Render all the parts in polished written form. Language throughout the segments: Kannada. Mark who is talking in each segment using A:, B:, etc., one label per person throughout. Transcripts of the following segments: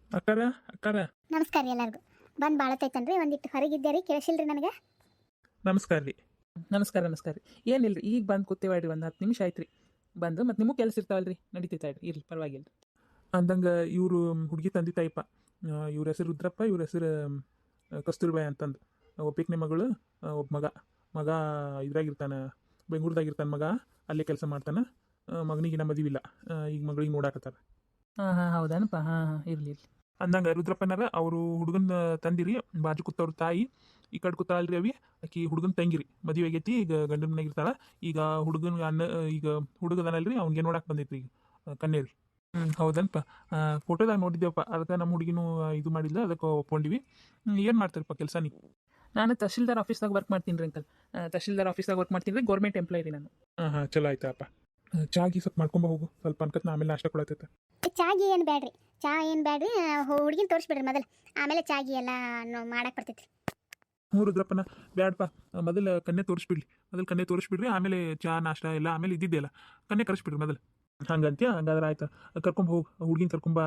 A: ಅಕ್ಕಾರ ಅಕ್ಕಾರ
B: ನಮಸ್ಕಾರ ರೀ ಎಲ್ಲರಿಗೂ. ಬಂದು ಭಾಳತ್ತೈತನ್ರಿ, ಒಂದಿಟ್ಟು ಹೊರಗಿದ್ದೆ ರೀ, ಕೇಳಿಸಿಲ್ರಿ ನನಗೆ.
A: ನಮಸ್ಕಾರ ರೀ. ನಮಸ್ಕಾರ ರೀ. ಏನಿಲ್ಲ ಈಗ ಬಂದು ಕೂತೇವಾಡ್ರಿ, ಒಂದು 10 ನಿಮಿಷ ಆಯ್ತು ರೀ ಬಂದು. ಮತ್ತು ನಿಮಗೂ ಕೆಲಸ ಇರ್ತಾವಲ್ರಿ, ನಡೀತೈತಾಡ್ರಿ, ಇರ್ಲಿ ಪರವಾಗಿಲ್ಲ. ಅಂದಂಗೆ ಇವರು ಹುಡುಗಿ ತಂದೆ ತಾಯಿಪ್ಪ, ಇವ್ರ ಹೆಸರು ರುದ್ರಪ್ಪ, ಇವ್ರ ಹೆಸರು ಕಸ್ತೂರ್ಬಾಯಿ ಅಂತಂದು. ಒಬ್ಬಾಕಿನ ಮಗಳು, ಒಬ್ಬ ಮಗ ಇದ್ರಾಗಿರ್ತಾನೆ, ಬೆಂಗಳೂರ್ದಾಗಿರ್ತಾನೆ ಮಗ, ಅಲ್ಲೇ ಕೆಲಸ ಮಾಡ್ತಾನೆ. ಮಗನಿಗೆ ಮದುವಿಲ್ಲ, ಈಗ ಮಗಳಿಗೆ ನೋಡಾಕತ್ತಾರೆ. ಹೌದಾನಪ್ಪ. ಇರಲಿ ಅಂದಂಗೆ ರುದ್ರಪ್ಪನಾರ ಅವರು ಹುಡುಗನ ತಂದಿರಿ, ಬಾಜು ಕೂತವ್ರ ತಾಯಿ. ಈ ಕಡೆ ಕೂತಾಳ್ರಿ ಅವಿ, ಆಕಿ ಹುಡುಗನ ತಂಗಿರಿ, ಮದುವೆ ಆಗೈತಿ, ಈಗ ಗಂಡನ ಮನೆಗೆ ಇರ್ತಾಳ. ಈಗ ಹುಡುಗನ ಈಗ ಹುಡುಗದನಲ್ರಿ, ಅವ್ನಿಗೆ ನೋಡಕ್ಕೆ ಬಂದೈತ್ರಿ ಈಗ ಕನ್ಯೆ ರೀ. ಹೌದನಪ್ಪ. ಫೋಟೋದಾಗ ನೋಡಿದ್ದೇವಪ್ಪ, ಅದಕ್ಕೆ ನಮ್ಮ ಹುಡುಗಿನೂ ಇದು ಮಾಡಿಲ್ಲ, ಅದಕ್ಕೆ ಒಪ್ಕೊಂಡಿವಿ. ಏನು ಮಾಡ್ತಾರಪ್ಪ ಕೆಲಸ ನೀವು? ನಾನು ತಹಶೀಲ್ದಾರ್ ಆಫೀಸ್ದಾಗ ವರ್ಕ್ ಮಾಡ್ತೀನಿ ರೀ ಅಂಕಲ್. ತಹಶೀಲ್ದಾರ್ ಆಫೀಸ್ದಾಗ ವರ್ಕ್ ಮಾಡ್ತೀನಿ ರೀ, ಗೌರ್ಮೆಂಟ್ ಎಂಪ್ಲಾಯ್ ರೀ ನಾನು. ಚಲೋ ಆಯ್ತಪ್ಪ. ಚಾಗಿ ಸ್ವಲ್ಪ ಮಾಡ್ಕೊಂಬ ಹೋಗು, ಸ್ವಲ್ಪ ಅನ್ಕತ್ ನಾ ಆಮೇಲೆ ನಾಷ್ಟ ಕೊಡತ್ತೈತೆ.
B: ಚಾಗಿ ಏನು ಬ್ಯಾಡ್ರಿ, ಚಾ ಏನು ಬ್ಯಾಡ್ರಿ, ಹುಡುಗಿನ ತೋರಿಸ್ಬಿಡ್ರಿ ಮೊದಲು, ಆಮೇಲೆ ಚಾಗಿ ಎಲ್ಲ ಮಾಡಕ್ಕೆ ಬರ್ತೈತಿ.
A: ಹ್ಞೂ ರುದ್ರಪ್ಪನ, ಬ್ಯಾಡಪ್ಪ. ಮೊದಲು ಕನ್ಯೆ ತೋರಿಸ್ಬಿಡ್ರಿ, ಆಮೇಲೆ ಚಾ ನಾಷ್ಟ ಎಲ್ಲ ಆಮೇಲೆ ಇದ್ದಿದ್ದೆಲ್ಲ ಕನ್ಯೆ ಕರೆಸ್ಬಿಡ್ರಿ ಮೊದಲು. ಹಂಗಂತ್ಯ? ಹಂಗಾದ್ರೆ ಆಯ್ತು, ಕರ್ಕೊಂಬ ಹೋಗು, ಹುಡುಗಿನ ಕರ್ಕೊಂಬ.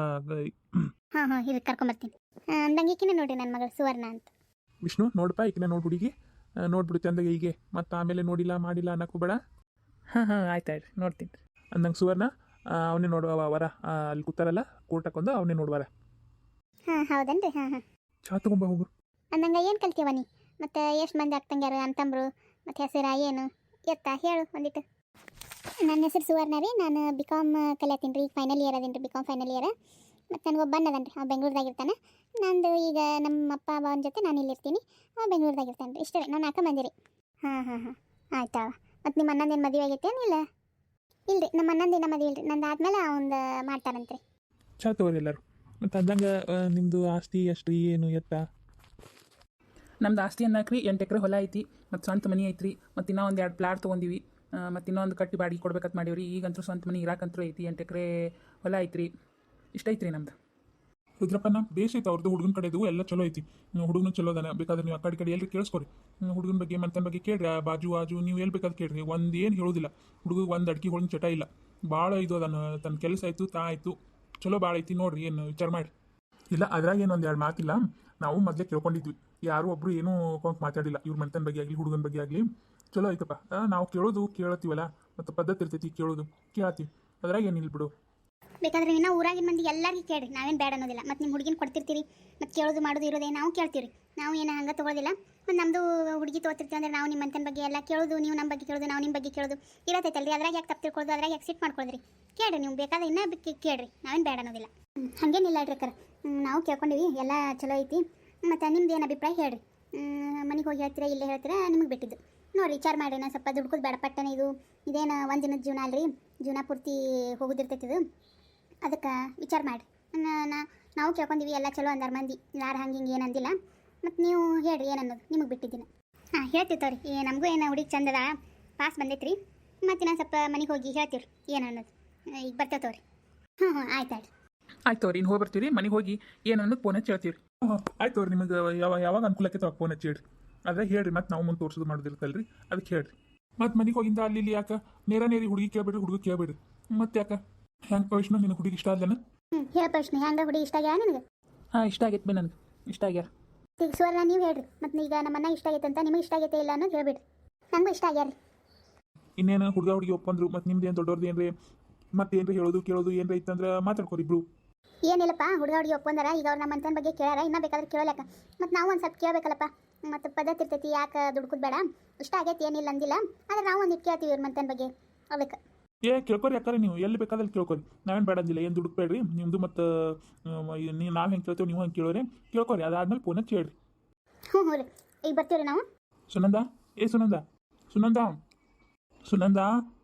B: ಹಾಂ ಇದು ಕರ್ಕೊಂಬರ್ತೀನಿ. ಅಂದಂಗೆ ಈಕಿನೇ ನೋಡ್ರಿ ನನ್ನ ಮಗಳು ಸುವರ್ಣ ಅಂತ.
A: ವಿಷ್ಣು ನೋಡಪ್ಪ, ಈಕಿನ ನೋಡಿ ಹುಡುಗಿ, ನೋಡ್ಬಿಡು ಚಂದಾಗ ಹೀಗೆ, ಮತ್ತು ಆಮೇಲೆ ನೋಡಿಲ್ಲ ಮಾಡಿಲ್ಲ ಅನ್ನಕ್ಕೂ ಬೇಡ. ಆಯ್ತು ನೋಡ್ತೀನಿ. ಅಂದಂಗೆ ಸುವರ್ಣ, ಅವನೇ ನೋಡುವ ವರ, ಅಲ್ಲಿ ಕೂತಾರಲ್ಲ ಕೋರ್ಟಕ್ಕೊಂದು, ಅವನೇ ನೋಡುವರ.
B: ಹೌದನ್ರಿ.
A: ಚಾ ತಗೊಂಬ ಹೋಗು.
B: ಅಂದಂಗೆ ಏನು ಕಲ್ತೀವ ನೀ? ಮತ್ತು ಎಷ್ಟು ಮಂದಿ ಆಗ್ತಂಗ್ಯಾರು ಅಂತಂಬ್ರು, ಮತ್ತು ಹೆಸರ ಏನು ಹೇಳು ಒಂದಿಟ್ಟು. ನನ್ನ ಹೆಸರು ಸುವರ್ಣ ರೀ, ನಾನು BCom ಕಲಿಯತ್ತೀನಿ ರೀ, ಫೈನಲ್ ಇಯರ್ ಅದೀನಿ ರೀ, BCom ಫೈನಲ್ ಇಯರ್. ಮತ್ತು ನನಗೆ ಒಬ್ಬ ಅದನ್ರಿ, ಅವ್ನು ಬೆಂಗಳೂರದಾಗಿರ್ತಾನೆ. ನಂದು ಈಗ ನಮ್ಮ ಅಪ್ಪ ಅವನ ಜೊತೆ ನಾನು ಇಲ್ಲಿರ್ತೀನಿ, ಅವ್ನು ಬೆಂಗಳೂರದಾಗಿರ್ತಾನೆ ರೀ. ಇಷ್ಟೇ ರೀ, ನಾನು 4 ಮಂದಿ ರೀ. ಆಯ್ತಾ. ಮತ್ತು ನಿಮ್ಮ ಅಣ್ಣಂದೇನು ಮದುವೆ ಆಗೈತೆ ಏನಿಲ್ಲ? ಇಲ್ರಿ, ನಮ್ಮ ಅಣ್ಣಂದೇನ ಮದುವೆ ಇಲ್ರಿ, ನಂದು ಆದ್ಮೇಲೆ ಅವ್ನು ಮಾಡ್ತಾರಂತ್ರಿ.
A: ಚಾ ತಗೋರಿ ಎಲ್ಲರೂ. ಮತ್ತು ಅಂದಂಗೆ ನಿಮ್ಮದು ಆಸ್ತಿ ಎಷ್ಟು, ಏನು ಎತ್ತ? ನಮ್ದು ಆಸ್ತಿ ಅನ್ನಕ್ರಿ 8 ಎಕರೆ ಹೊಲ ಐತಿ, ಮತ್ತು ಸ್ವಂತ ಮನೆ ಐತ್ರಿ, ಮತ್ತು ಇನ್ನೂ ಒಂದು 2 ಪ್ಲಾಟ್ ತೊಗೊಂಡಿವಿ, ಮತ್ತು ಇನ್ನೊಂದು ಕಟ್ಟಿ ಬಾಡಿಗೆ ಕೊಡ್ಬೇಕಂತ ಮಾಡೀವ್ರಿ. ಈಗಂತೂ ಸ್ವಂತ ಮನೆ ಇರಾಕಂತೂ ಐತಿ, 8 ಎಕರೆ ಹೊಲ ಐತ್ರಿ, ಇಷ್ಟ ಐತ್ರಿ ನಮ್ದು. ರುದ್ರಪ್ಪನ ಬೇಸ್ ಐತೆ ಅವ್ರದ್ದು, ಹುಡುಗನ ಕಡೆದು ಎಲ್ಲ ಚಲೋ ಐತಿ, ಹುಡುಗನು ಚಲೋ ಅದಾನ. ಬೇಕಾದ್ರೆ ನೀವು ಆ ಕಡೆ ಎಲ್ಲಿ ಕೇಳಿಸ್ಕೊರಿ, ಹುಡುಗನ ಬಗ್ಗೆ ಮಂತನ ಬಗ್ಗೆ ಕೇಳ್ರಿ, ಬಾಜು ನೀವು ಎಲ್ಲಿ ಬೇಕಾದ್ರೆ ಕೇಳ್ರಿ, ಒಂದು ಏನು ಹೇಳೋದಿಲ್ಲ. ಹುಡುಗ ಒಂದು ಅಡ್ಗೆ ಹೊಳಿನ ಚಟ ಇಲ್ಲ, ಭಾಳ ಇದು ಅದಾನ, ತನ್ನ ಕೆಲಸ ಆಯಿತು ಆಯಿತು, ಚಲೋ ಭಾಳ ಐತಿ ನೋಡ್ರಿ, ಏನು ವಿಚಾರ ಮಾಡಿ. ಇಲ್ಲ ಅದ್ರಾಗ ಏನು ಒಂದು 2 ಮಾತಿಲ್ಲ, ನಾವು ಮೊದಲೇ ಕೇಳ್ಕೊಂಡಿದ್ವಿ, ಯಾರು ಒಬ್ರು ಏನೂ ಮಾತಾಡಿಲ್ಲ, ಇವ್ರ ಮಂತನ ಬಗ್ಗೆ ಆಗಲಿ ಹುಡುಗನ ಬಗ್ಗೆ ಆಗಲಿ. ಚಲೋ ಐತಪ್ಪ. ನಾವು ಕೇಳತ್ತೀವಲ್ಲ, ಮತ್ತು ಪದ್ಧತಿ ಇರ್ತೈತಿ ಕೇಳೋದು, ಕೇಳತ್ತೀವಿ, ಅದ್ರಾಗ ಏನಿಲ್ಲ ಬಿಡು.
B: ಬೇಕಾದ್ರೆ ಇನ್ನೂ ಊರಾಗಿನ ಮಂದಿ ಎಲ್ಲರಿಗೂ ಕೇಳ್ರಿ, ನಾವೇನು ಬೇಡ ಅನ್ನೋದಿಲ್ಲ. ಮತ್ತು ನಿಮ್ಮ ಹುಡುಗಿನ ಕೊಡ್ತಿರ್ತೀರಿ, ಮತ್ತು ಕೇಳೋದು ಮಾಡೋದು ಇರೋದೇ ನಾವು ಕೇಳ್ತೀವಿ. ನಾವು ಏನು ಹಂಗೆ ತೊಗೊಳೋದಿಲ್ಲ. ಮತ್ತು ನಮ್ಮದು ಹುಡುಗಿ ತೊಗೊತಿರ್ತೀವಿ ಅಂದರೆ ನಾವು ನಿಮ್ಮ ಮಂತನ ಬಗ್ಗೆ ಎಲ್ಲ ಕೇಳೋದು, ನೀವು ನಮ್ಮ ಬಗ್ಗೆ ಕೇಳೋದು, ನಾವು ನಿಮ್ಮ ಬಗ್ಗೆ ಕೇಳೋದು ಇರತ್ತೈತಲ್ರಿ. ಅದ್ರಾಗ ಯಾಕೆ ತಪ್ಪು ತಿಳ್ಕೊಳ್ಳೋದು, ಅದ್ರಾಗ ಯಾಕೆ ಸಿಟ್ಟು ಮಾಡ್ಕೊಳ್ರಿ. ಕೇಳ್ರಿ, ನೀವು ಬೇಕಾದ್ರೆ ಇನ್ನೂ ಕೇಳ್ರಿ, ನಾವೇನು ಬೇಡ ಅನ್ನೋದಿಲ್ಲ. ಹಾಗೇನಿಲ್ಲ ಹೇಳ್ರಿ ಅಕ್ಕರ, ನಾವು ಕೇಳ್ಕೊಂಡಿವಿ, ಎಲ್ಲ ಚಲೋ ಐತಿ. ಮತ್ತು ನಿಮ್ದು ಏನು ಅಭಿಪ್ರಾಯ ಹೇಳ್ರಿ. ಮನೆಗೆ ಹೋಗಿ ಹೇಳ್ತೀರಾ ಇಲ್ಲೇ ಹೇಳ್ತೀರಾ, ನಿಮಗೆ ಬಿಟ್ಟಿದ್ದು ನೋಡಿರಿ, ವಿಚಾರ ಮಾಡಿರಿ. ನಾನು ಸ್ವಲ್ಪ ದುಡ್ಕೋದು ಬೇಡ ಪಟ್ಟನೆ, ಇದೇನು ಒಂದು ದಿನದ ಜೀವನ ಅಲ್ರಿ, ಜೀವನ ಪೂರ್ತಿ ಹೋಗೋದಿರ್ತೈತಿದು, ಅದಕ್ಕೆ ವಿಚಾರ ಮಾಡಿರಿ. ನಾವು ಕೇಳ್ಕೊಂಡಿವಿ, ಎಲ್ಲ ಚಲೋ ಅಂದಾರ ಮಂದಿ, ಯಾರು ಹಿಂಗೆ ಏನು ಅಂದಿಲ್ಲ. ಮತ್ತು ನೀವು ಹೇಳ್ರಿ ಏನನ್ನೋದು, ನಿಮಗೆ ಬಿಟ್ಟಿದ್ದೀನಿ. ಹೇಳ್ತೀವಿ ತೋರಿ, ನಮಗೂ ಏನು ಹುಡುಗಿ ಚಂದದ ಪಾಸ್ ಬಂದೈತ್ರಿ. ಮತ್ತು ನಾನು ಸ್ವಲ್ಪ ಮನೆಗೆ ಹೋಗಿ ಹೇಳ್ತೀವಿ ಏನು ಅನ್ನೋದು. ಈಗ ಬರ್ತೇವೆ ತೋರಿ. ಆಯ್ತು ಆಯ್ತು
A: ತೋರಿ, ಇನ್ನು ಹೋಗಿ ಬರ್ತೀವಿ, ಮನೆಗೆ ಹೋಗಿ ಏನು ಅನ್ನೋದು ಫೋನ್ ಹಚ್ಚಿ ಹೇಳ್ತೀವಿ. ಆಯ್ತು ತೋರಿ, ನಿಮಗೆ ಯಾವಾಗ ಅನುಕೂಲಕ್ಕೆ ತಗೋ ಫೋನ್ ಹಚ್ಚಿ ಹೇಳ್ರಿ. ಅದೇ ಹೇಳ್ರಿ, ಮತ್ತು ನಾವು ಮುಂದೆ ತೋರಿಸೋದು ಮಾಡೋದಿರ್ತಲ್ರಿ, ಅದಕ್ಕೆ ಹೇಳ್ರಿ. ಮತ್ತು ಮನೆಗೆ ಹೋಗಿಂದ ಅಲ್ಲಿ ಯಾಕೆ ನೇರಿ ಹುಡುಗಿ ಕೇಳ್ಬೇಡ್ರಿ, ಹುಡುಗ ಕೇಳ್ಬೇಡ್ರಿ. ಮತ್ತು ಯಾಕೆ ಹೆಂಗೆ ವಿಷ್ಣು, ನಿನಗೆ ಹುಡುಗಿ ಇಷ್ಟ ಅಲ್ಲೇನ?
B: ಹೇಳಪ್ಪ ವಿಷ್ಣು, ಹೆಂಗೆ ಹುಡುಗಿ ಇಷ್ಟ ಆಗ್ಯಾ ನಿನಗೆ?
A: ಇಷ್ಟ ಆಗೈತೆ ಬಿ, ನನಗೆ ಇಷ್ಟ ಆಗ್ಯಾರ.
B: ಈಗ ಸುವರ್ಣ ನೀವು ಹೇಳ್ರಿ, ಮತ್ತು ಈಗ ನಮ್ಮನ್ನ ಇಷ್ಟ ಆಗೈತೆ ಅಂತ ನಿಮಗೆ ಇಷ್ಟ ಆಗೈತೆ ಇಲ್ಲ ಅನ್ನೋದು ಹೇಳ್ಬಿಡ್ರಿ. ನನಗೂ ಇಷ್ಟ ಆಗ್ಯಾರ.
A: ಇನ್ನೇನು ಹುಡುಗಿ ಒಪ್ಪಂದ್ರು, ಮತ್ತು ನಿಮ್ದು ಏನು ದೊಡ್ಡವ್ರದ್ದು ಏನ್ರಿ, ಮತ್ತೆ ಏನ್ರಿ ಹೇಳೋದು ಕೇಳೋದು ಏನ್ರಿ ಇತ್ತಂದ್ರೆ ಮಾತಾಡ್ಕೊರಿ ಇಬ್ರು.
B: ಏನಿಲ್ಲಪ್ಪ, ಹುಡುಗಿ ಒಪ್ಪಂದಾರ, ಈಗ ಅವ್ರು ನಮ್ಮ ಮಂತನ ಬಗ್ಗೆ ಕೇಳಾರ, ಇನ್ನೂ ಬೇಕಾದ್ರೆ ಕೇಳೋಲ್ಲಕ್ಕ. ಮತ್ತು ನಾವು ಒಂದು ಸ್ವಲ್ಪ ಕೇಳಬೇಕಲ್ಲಪ್ಪ, ಮತ್ತು ಪದ್ಧತಿ ಇರ್ತೈತಿ, ಯಾಕೆ ದುಡ್ಕೋದು ಬೇಡ. ಇಷ್ಟ ಆಗೈತಿ ಏನಿಲ್ಲ ಅಂದಿಲ್ಲ, ಆದರೆ ನಾವು ಒಂದು ಕೇಳ್ತೀವಿ ಇವ್ರ ಮಂತನ ಬಗ್ಗೆ, ಅದಕ್ಕೆ.
A: ಕೇಳ್ಕೊರಿ ಯಾಕಂದ್ರೆ ನೀವು ಎಲ್ಲಿ ಬೇಕಾದಲ್ಲಿ ಕೇಳ್ಕೊರಿ, ನಾವೇನು ಬೇಡಂದಿಲ್ಲ, ಏನು ದುಡುಕ್ಬೇಡ್ರಿ ನಿಮ್ಮದು. ಮತ್ತು ನಾವು ಹೆಂಗೆ ಕೇಳ್ತೇವೆ ನೀವು ಹಂಗೆ ಕೇಳೋರಿ, ಕೇಳ್ಕೊರಿ. ಅದಾದ್ಮೇಲೆ ಫೋನ್ ಹಚ್ಚಿ ಹೇಳ್ರಿ.
B: ಹ್ಞೂ ರೀ, ಈಗ ಬರ್ತೀವಿ ನಾವು.
A: ಸುನಂದ, ಸುನಂದ ಸುನಂದ ಸುನಂದ,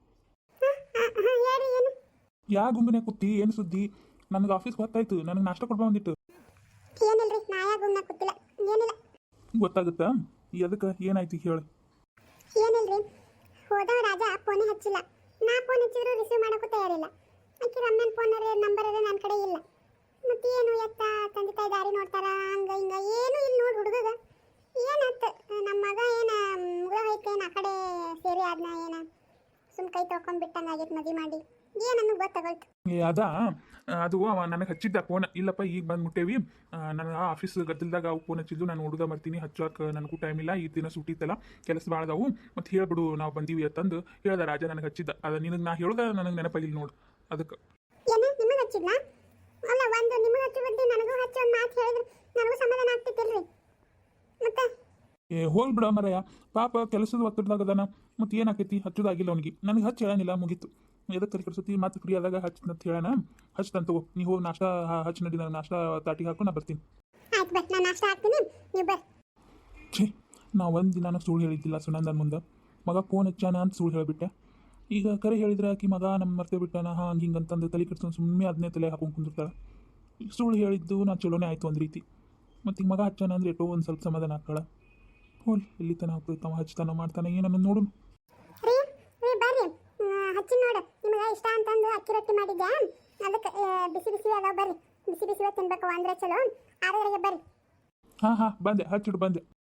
A: ಯಾ ಗುಂಬಿನ ಕೂತಿ, ಏನು ಸುದ್ದಿ? ನನಗೆ ಆಫೀಸ್ಗೆ ಹೊತ್ತಾಯ್ತು, ನನಗೆ ನಾಷ್ಟ ಕೊಡ್ಬಾ ಒಂದಿಟ್ಟು.
B: ಏನಿಲ್ರಿ, ನಾ ಯಾ ಗುಂಬ್ನ ಕೂತಿಲ್ಲ, ಏನಿಲ್ಲ.
A: ಗೊತ್ತಾಗುತ್ತಾ ಅದಕ್ಕೆ ಏನಾಯ್ತು ಹೇಳಿ?
B: ಏನಿಲ್ರಿ, ಹೋದವ ರಾಜ ಫೋನೇ ಹಚ್ಚಿಲ್ಲ. ನಾ ಫೋನ್ ಹಚ್ಚಿದ್ರು ರಿಸೀವ್ ಮಾಡೋಕ್ಕೂ ತಯಾರಿಲ್ಲ. ಆಕೆ ರಮ್ಯನ ಫೋನ್ ನಂಬರ್ ನನ್ನ ಕಡೆ ಇಲ್ಲ. ಮತ್ತೆ ಏನು ಎತ್ತ ತಂದೆ ತಾಯಿ ದಾರಿ ನೋಡ್ತಾರ, ಹಂಗ ಹಿಂಗ ಏನು ಇಲ್ಲಿ ನೋಡಿ ಹುಡುಗಗ ಏನಾಯ್ತು? ನಮ್ಮ ಮಗ ಏನ ಮುಗ ಹೋಯ್ತು, ಏನು ಆ ಕಡೆ ಸೇರಿ ಆದ್ನ, ಏನ ಸುಮ್ ಕೈ ತೊಳ್ಕೊಂಡ್ ಬಿಟ್ಟಂಗೆ ಆಗೈತೆ ಮದುವೆ ಮಾಡಿ ಏನನ್ನು ಗೊತ್ತಾಗೋಯ್ತು.
A: ಅದು ಅವ ನನಗೆ ಹಚ್ಚಿದ್ದ ಫೋನ್, ಇಲ್ಲಪ್ಪ ಈಗ ಬಂದು ಮುಟ್ಟೇವಿ, ನನಗೆ ಆಫೀಸ್ ಗದ್ದಲ್ದಾಗ ಅವು ಫೋನ್ ಹಚ್ಚಿದ್ದು, ನಾನು ಹುಡುಗ ಬರ್ತೀನಿ ಹಚ್ಚೋಕೆ ನನಗೂ ಟೈಮ್ ಇಲ್ಲ, ಈ ದಿನ ಸುಟ್ಟಿತ್ತಲ್ಲ ಕೆಲಸ ಭಾಳ ಅದಾವು, ಮತ್ತು ಹೇಳ್ಬಿಡು ನಾವು ಬಂದೀವಿ ಅಂತಂದು ಹೇಳ್ದ ರಾಜ ನನಗೆ ಹಚ್ಚಿದ್ದ. ಅದು ನಿನಗೆ ನಾ ಹೇಳ್ದ ನನಗೆ ನೆನಪಾಗಿಲ್ಲ ನೋಡು ಅದಕ್ಕೆ.
B: ಏನ ನಿಮಗೆ ಹಚ್ಚಿದ್ನಾ? ಅಲ್ಲ ಒಂದು ನಿಮಗೆ ಹಚ್ಚೋ ಬದ್ಲಿ ನನಗೂ ಹಚ್ಚೋ ಒಂದು ಮಾತು ಹೇಳಿದ್ರೆ ನನಗೂ ಸಮಾಧಾನ ಆಗ್ತಿತ್ತಿಲ್ರಿ. ಮತ್ತೆ
A: ಹೋಗಿ ಬಿಡ ಮರಯ್ಯ, ಪಾಪ ಕೆಲಸದ ಒತ್ತಡದಾಗದಾನ, ಮತ್ತು ಏನಾಕೈತಿ ಹಚ್ಚೋದಾಗಿಲ್ಲ ಅವನಿಗೆ. ನನಗೆ ಹಚ್ಚಿ ಹೇಳಾನಿಲ್ಲ, ಮುಗೀತು. ಎದಕ್ಕೆ ತಲೆ ಕೆಡಿಸುತ್ತಿ? ಮತ್ತೆ ಫ್ರೀ ಆದಾಗ ಹಚ್ಚಂತ ಹೇಳೋಣ, ಹಚ್ತಂತ ನೀವು ಹೋಗಿ ನಾಷ್ಟ ಹಚ್ಚಿ ನಡಿ, ನಾನು ನಾಷ್ಟ ತಾಟಿಗೆ ಹಾಕೊಂಡು ನಾ ಬರ್ತೀನಿ.
B: ಆಯ್ತು ಬಟ್ ನಾನು ನಾಷ್ಟ ಹಾಕ್ತೀನಿ, ನೀವು ಬರ್ರಿ.
A: ಛೇ, ನಾ ಒಂದು ದಿನ ಸುಳ್ಳು ಹೇಳಿದ್ದಿಲ್ಲ ಸುನಂದನ ಮುಂದೆ, ಮಗ ಫೋನ್ ಹಚ್ಚಾನ ಅಂತ ಸುಳ್ಳು ಹೇಳಿಬಿಟ್ಟೆ. ಈಗ ಕರೆ ಹೇಳಿದ್ರೆ ಆಕಿ ಮಗ ನಮ್ಮ ಮರ್ತೇ ಬಿಟ್ಟಾನ ಹಾಂ ಹಿಂಗೆ ಅಂತಂದು ತಲೆ ಕೆಡ್ಸ್ಕೊಂಡು ಸುಮ್ಮನೆ ಅದನ್ನೇ ತಲೆ ಹಾಕೊಂಡು ಕುಂದಿರ್ತಾಳೆ. ಈಗ ಸುಳ್ಳು ಹೇಳಿದ್ದು ನಾ ಚಲೋನೇ ಆಯಿತು ಒಂದು ರೀತಿ, ಮತ್ತು ಈಗ ಮಗ ಹಚ್ಚಾನ ಅಂದರೆ ಎಷ್ಟೋ ಒಂದು ಸ್ವಲ್ಪ ಸಮಾಧಾನ ಆಗ್ತಾಳೆ. ಹೋಲ್ ಎಲ್ಲಿ ತನ ಹೋಗ್ತಾವ, ಹಚ್ತಾನ ಮಾಡ್ತಾನೆ ಏನನ್ನ ನೋಡು.
B: ರೀ ರೀ ಬರ್ರಿ, ಹಚ್ಚಿ ನೋಡು, ನಿಮಗೆ ಇಷ್ಟ ಅಂತಂದು ಅಕ್ಕಿ ರೊಟ್ಟಿ ಮಾಡಿದ್ದೆ, ಅದಕ್ಕೆ ಬಿಸಿ ಬಿಸಿ ಅದಾವ, ಬರ್ರಿ ಬಿಸಿ ಬಿಸಿ ತಿನ್ಬೇಕು ಅಂದ್ರೆ ಚಲೋ. 6 ಗಂಟೆಗೆ ಬರ್ರಿ.
A: ಹಾಂ ಬಂದೆ, ಹಚ್ಚಿಡು ಬಂದೆ.